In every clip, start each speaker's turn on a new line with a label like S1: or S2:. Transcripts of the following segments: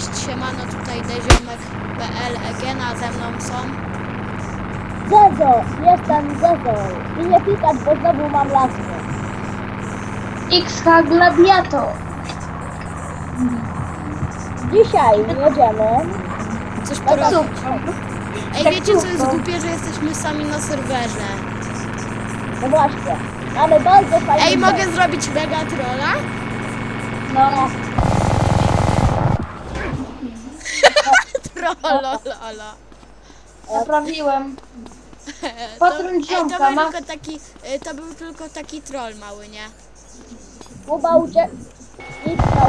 S1: Cześć, siemano, tutaj Deziomek.pl, Egena, ze mną są.
S2: Zezo, jestem Zezo i nie pikać, bo znowu mam laskę.
S3: XH Gladiator.
S2: Dzisiaj jedziemy.
S1: Coś porobić.
S3: Super.
S1: Ej, wiecie co jest głupie, że jesteśmy sami na serwerze?
S2: No właśnie, mamy bardzo fajny
S1: Ej, mogę zrobić mega trolla?
S3: No,
S1: Trollololo.
S3: naprawiłem. Patrol ziomka ma.
S1: To był tylko taki troll mały, nie?
S2: Kuba uciekł. Idź na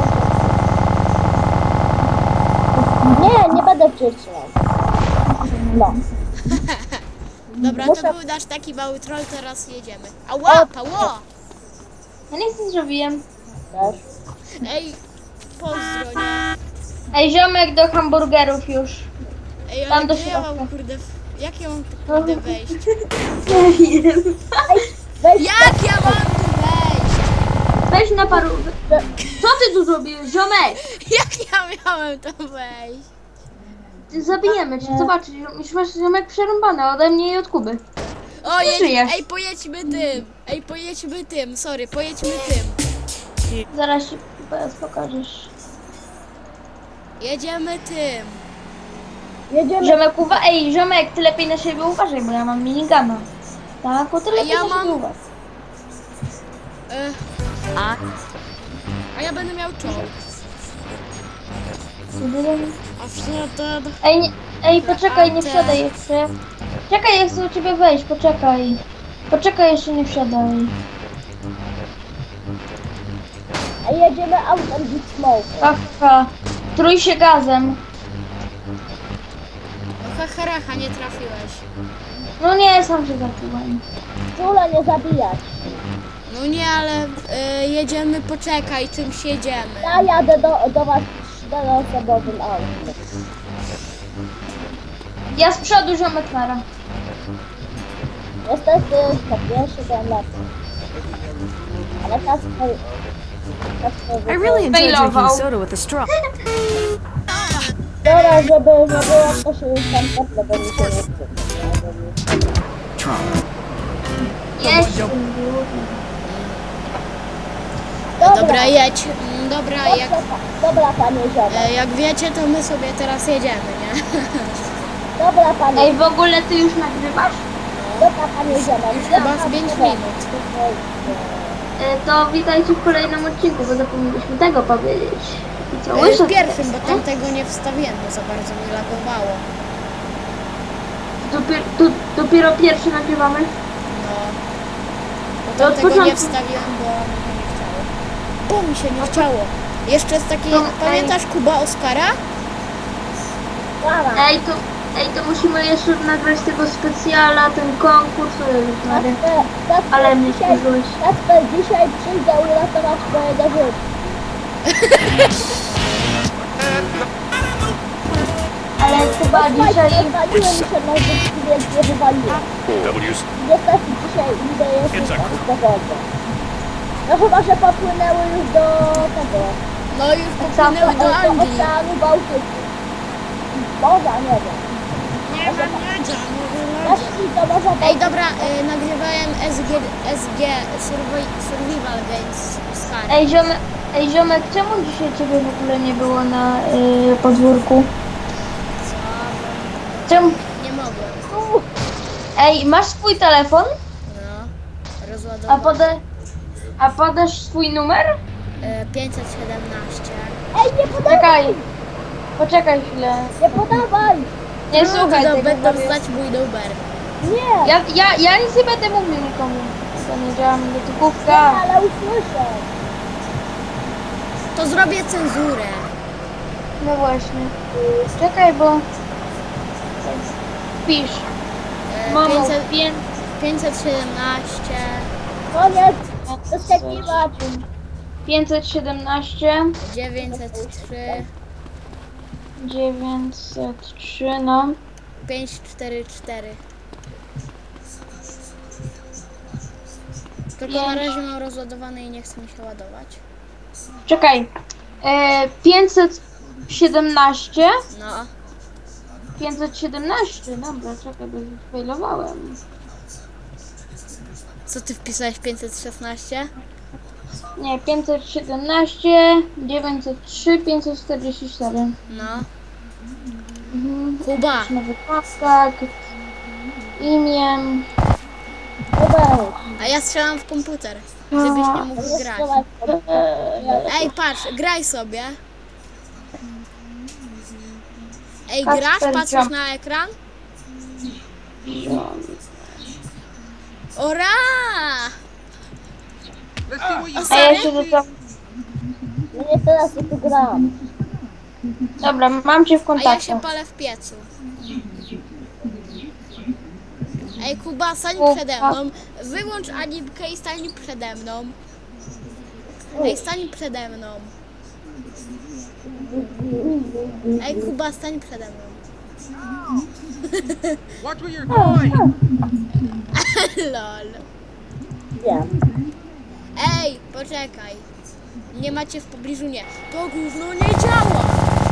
S2: nie będę wciśniał. No.
S1: Dobra,
S2: Muszę-
S1: to był nasz taki mały troll, teraz jedziemy. Ała, pało!
S3: Ja nic nie zrobiłem.
S2: Też.
S1: Ej, pozdro, nie?
S3: Ej, ziomek do hamburgerów już.
S1: Ej,
S3: Tam
S1: ale
S3: do
S1: gdzie ja mam,
S3: środka.
S1: kurde, jak ja mam tu, kurde, wejść?
S3: Nie wiem.
S2: Weź
S1: Jak ja mam tu wejść?
S3: Weź na paru. Co ty tu zrobiłeś, ziomek?
S1: Jak ja miałem tam wejść?
S3: Zabijemy cię, zobacz, już masz ziomek przerąbany ode mnie i od Kuby.
S1: O,
S3: żyjesz.
S1: ej, pojedźmy tym, sorry, pojedźmy tym.
S3: Zaraz ci PS pokażesz.
S1: Jedziemy tym.
S2: jedziemy.
S3: Ziomek, ej, ziomek, ty lepiej na siebie uważaj, bo ja mam minigana. Tak, bo ty lepiej
S1: ja
S3: na
S1: mam-
S3: siebie uważaj.
S1: A ja będę miał czołg. A wtedy...
S3: Ej, ej, poczekaj, nie wsiadaj jeszcze. Czekaj, ja chcę u ciebie wejść, poczekaj. Poczekaj, jeszcze nie wsiadaj.
S2: A jedziemy autem Big Smoke.
S3: Haha, trój się gazem.
S1: No hacharacha, nie trafiłeś.
S3: No nie, sam się zacząłem.
S2: Czule nie zabijać.
S1: No nie, ale jedziemy, poczekaj, czymś jedziemy.
S2: Ja jadę do was 4-osobowym autem.
S3: Ja z przodu, ziomek nara.
S2: Niestety to pierwszy ten lepszy. Ale Kasper...
S4: I really enjoy drinking
S3: Failował.
S4: soda with a straw.
S2: Dobra, żeby to się już tam teple, bo mi się nie chce.
S3: Jeźdź.
S1: Dobra, jedź. Dobra,
S2: Dobra, panie ziomek.
S1: jak wiecie, to my sobie teraz jedziemy, nie?
S2: Dobra, panie.
S3: Ej, w ogóle ty już nagrywasz?
S2: Dobra, panie ziomek.
S1: Już chyba z 5 minut.
S3: To witajcie w kolejnym odcinku, bo zapomnieliśmy tego powiedzieć. I co,
S1: W
S3: łyso
S1: pierwszym, bo
S3: teraz,
S1: tamtego nie wstawiłem, bo za bardzo mi lagowało.
S3: Dopiero pierwszy nagrywamy.
S1: No. Bo
S3: To od
S1: tamtego nie
S3: początku.
S1: wstawiłem, bo mi się nie chciało. Bo mi się nie chciało. Jeszcze jest taki,
S3: No,
S1: pamiętasz Kuba Oskara?
S2: Dobra.
S3: Ej, to musimy jeszcze nagrać tego specjala, ten konkurs. Ale mnie wkurzyłeś.
S2: Kasper dzisiaj przyjdzie uratować twojego życia.
S3: Ale chyba dzisiaj...
S2: Wywaliłem się na życiu, więc nie wywaliłem. Niestety dzisiaj idę jeszcze do wody. No chyba, że popłynęły już do tego.
S1: No już popłynęły do Anglii.
S2: Oceanu Bałtyku. Morza, nie wiem.
S1: Nie wiem, nie działa.
S2: Jeśli to może
S1: Ej, dobra, nagrywałem SG Survival Games z Harry.
S3: Ej, ziomek, czemu dzisiaj ciebie w ogóle nie było na podwórku? Czemu?
S1: Nie mogłem.
S3: Ej, masz swój telefon?
S1: No,
S3: A,
S1: rozładowałem.
S3: a podasz swój numer?
S1: 517.
S2: Ej, nie podawaj!
S3: Czekaj. Poczekaj chwilę.
S2: Nie podawaj!
S3: Nie słuchaj tego.
S1: Będą
S3: powiedz.
S1: znać mój numer.
S2: Nie!
S3: Ja nic nie będę mówił nikomu. To nie działa mi gotówka.
S2: Ale usłyszę.
S1: To zrobię cenzurę.
S3: No właśnie. Czekaj, bo... Pisz. Mamo,
S1: 517.
S2: Koniec! Doskakiwać!
S3: 517,
S1: 903.
S3: 903, no.
S1: 544. Tylko na razie mam rozładowane i nie chce mi się ładować.
S3: Czekaj. 500... 17?
S1: No.
S3: 517, dobra, czekaj, bo failowałem.
S1: Co ty wpisałeś 516?
S3: Nie, 517, 903, 544.
S1: No.
S3: Mhm.
S1: Kuba.
S3: Nowy kontakt, imię.
S2: Dobra,
S1: A ja strzelam w komputer, żebyś nie mógł grać.
S2: strzelaj sobie.
S1: Ej, patrz, graj sobie. Ej,
S3: Kacper
S1: grasz? Patrzysz
S3: Jump.
S1: na ekran? Ora! O,
S3: A ja
S1: sorry.
S3: się zostawiam.
S2: No nie teraz ja tu gram.
S3: Dobra, mam cię w
S1: A ja
S3: kontakcie.
S1: się palę w piecu. Ej, Kuba, stań przede mną. Wyłącz animkę i stań przede mną. Ej, stań przede mną. Ej, Kuba, stań przede mną.
S5: Watch where you're going!
S1: Lol.
S2: Wiem.
S1: Ej, poczekaj. Nie macie w pobliżu, nie. To gówno nie działa.